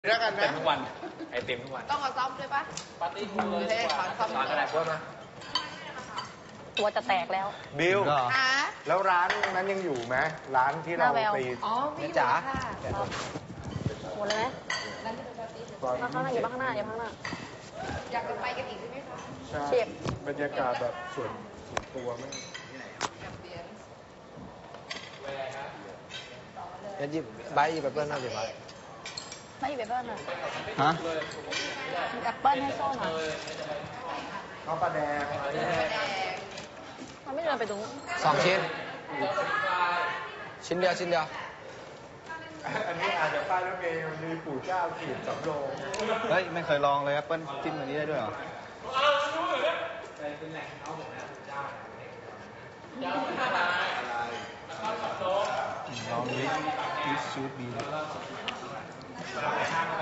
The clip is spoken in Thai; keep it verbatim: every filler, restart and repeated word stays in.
แล้วกันเต็นะมทุกวันไอเต็มทุกวันต้องมาซ่อมด้วยปะปาร์ตี้คูเลยเฮ้ยขอซ่อมสอนอะไรพวกนะตัวจะแตกแล้วบิวฮะแล้วร้านนั้นยังอยู่ไหมร้านที่เราหน้าแววไปอ๋อไม่อยู่จ๋าค่ะหมดเลยไหมนั่นคือปาร์ตี้ข้างหน้าอย่าข้างหน้าอย่าข้างหน้าอยากจะไปกันอีกใช่ไหมคะใช่เชียบบรรยากาศแบบส่วนส่วนตัวมากแอมเบียนซ์งั้นหยิบใบหยิบแอปเปิ้ลหน่อยดิใบไม่หยิบแอปเปิ้ลอ่ะฮะหยิบแอปเปิ้ลให้ส้มอ่ะข้าวปลาแดงมันไม่เดินไปตรงนู้นสองชิ้น ชิ้นเดียวชิ้นเดียวอันนี้อาจจะป้ายรถเมล์มีปู่เจ้าขีดสำโรงเฮ้ย ไม่เคยลองเลยแอปเปิ้ลจิ้มแบบนี้ได้ด้วยเหรอลองดิดิชูบี